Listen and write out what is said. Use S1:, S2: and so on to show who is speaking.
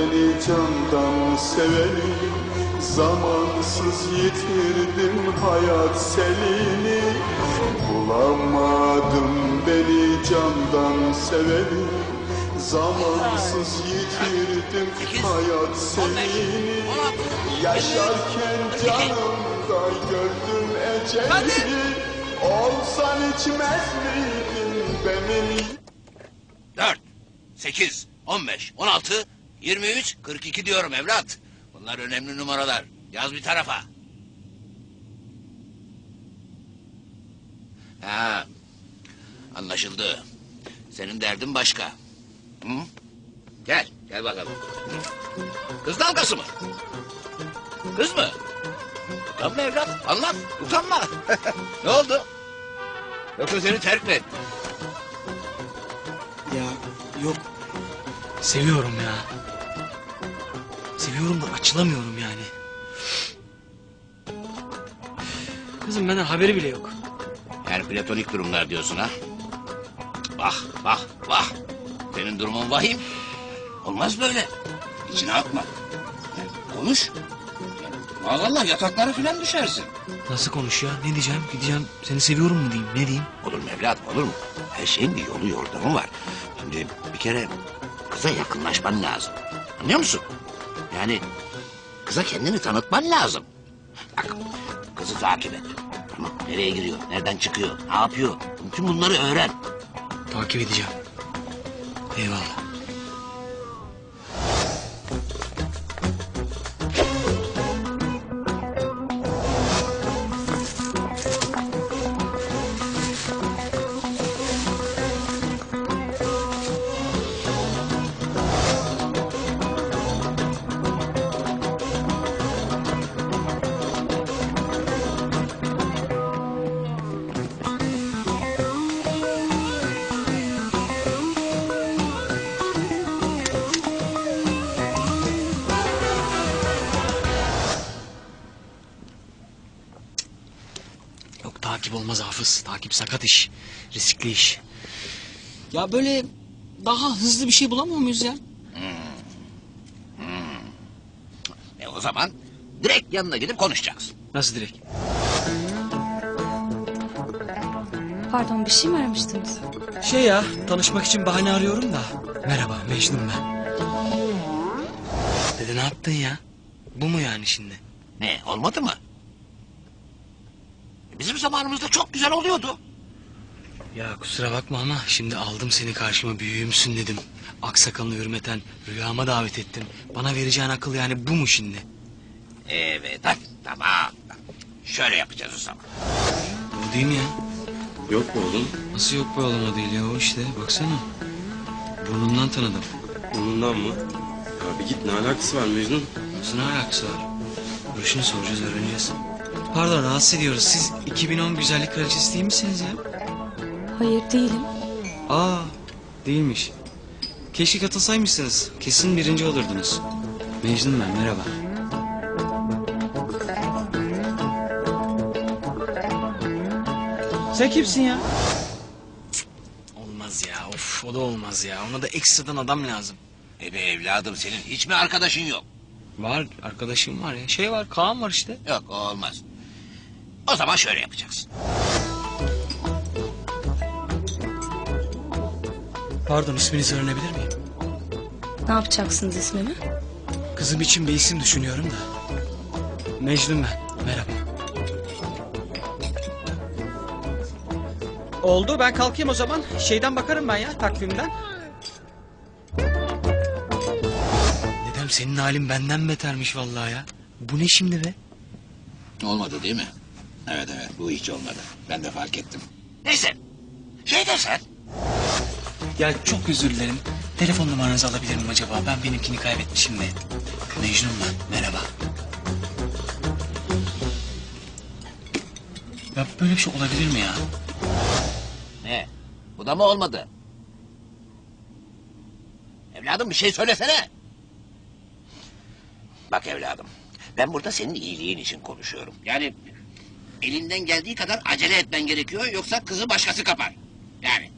S1: beni candan seveni, zamansız yitirdim hayat selini. Bulamadım beni candan seveni, zamansız yitirdim hayat selini. Yaşarken canımda gördüm eceli, olsan içmez miydin benim?
S2: 4, 8, 15, 16, 23, 42 diyorum evlat. Bunlar önemli numaralar. Yaz bir tarafa. Ha, anlaşıldı. Senin derdin başka. Hı? Gel, gel bakalım. Kız dalgası mı? Kız mı? Utanma evlat, anlat, utanma. Ne oldu? Yoksa seni terk mi etti?
S3: Ya yok. Seviyorum ya. Seviyorum da açılamıyorum yani. Kızım benden haberi bile yok.
S2: Yani platonik durumlar diyorsun ha? Vah, vah, vah. Senin durumun vahim. Olmaz böyle. İçine atma. Yani konuş. Yani, maazallah yataklara filan düşersin.
S3: Nasıl konuş ya? Ne diyeceğim? Gideceğim seni seviyorum mu diyeyim? Ne diyeyim?
S2: Olur mu evladım, olur mu? Her şeyin bir yolu yordamı var. Şimdi bir kere kıza yakınlaşman lazım. Anlıyor musun? Yani kıza kendini tanıtman lazım. Bak, kızı takip et. Tamam, nereye giriyor, nereden çıkıyor, ne yapıyor? Bütün bunları öğren.
S3: Takip edeceğim. Eyvallah. Yok takip olmaz Hafız. Takip sakat iş. Riskli iş. Ya böyle daha hızlı bir şey bulamıyor muyuz ya?
S2: O zaman direkt yanına gidip konuşacaksın.
S3: Nasıl direkt?
S4: Pardon, bir şey mi aramıştınız?
S3: Şey ya, tanışmak için bahane arıyorum da. Merhaba, Mecnun ben. Dede ne yaptın ya? Bu mu yani şimdi?
S2: Ne, olmadı mı? Bizim zamanımızda çok güzel oluyordu.
S3: Ya kusura bakma ama şimdi aldım seni karşıma, büyüğümsün dedim. Aksakalını hürmeten rüyama davet ettim. Bana vereceğin akıl yani bu mu şimdi?
S2: Evet, hadi tamam. Şöyle yapacağız o zaman.
S3: Bu değil mi ya?
S5: Yok mu oğlum?
S3: Nasıl yok be oğlum, o değil ya, o işte baksana. Burnumdan tanıdım.
S5: Onundan mı? Ya bir git, ne alakası var Mecnun?
S3: Nasıl ne alakası var? Görüşünü soracağız, öğreneceğiz. Pardon, rahatsız ediyoruz. Siz 2010 güzellik kraliçesi değil misiniz ya?
S4: Hayır, değilim.
S3: Aa, değilmiş. Keşke katılsaymışsınız. Kesin birinci olurdunuz. Mecnun ben, merhaba. Sen kimsin ya? Olmaz ya, of, o da olmaz ya. Ona da ekstradan adam lazım.
S2: Be evladım, senin hiç mi arkadaşın yok?
S3: Var, arkadaşım var ya. Şey var, Kaan var işte.
S2: Yok, o olmaz. O zaman şöyle yapacaksın.
S3: Pardon, isminizi öğrenebilir miyim?
S4: Ne yapacaksınız ismimi?
S3: Kızım için bir isim düşünüyorum da. Mecnun ben, merhaba.
S6: Oldu, ben kalkayım o zaman. Şeyden bakarım ben ya, takvimden.
S3: Dedem, senin halin benden betermiş vallahi ya. Bu ne şimdi be?
S2: Olmadı değil mi? Evet, bu hiç olmadı. Ben de fark ettim. Neyse, şey dersen.
S3: Ya çok özür dilerim. Telefon numaranızı alabilir miyim acaba? Ben benimkini kaybetmişim de. Mecnun ben, merhaba. Ya böyle bir şey olabilir mi ya?
S2: Ne? Bu da mı olmadı? Evladım, bir şey söylesene. Bak evladım, ben burada senin iyiliğin için konuşuyorum. Yani elinden geldiği kadar acele etmen gerekiyor, yoksa kızı başkası kapar. Yani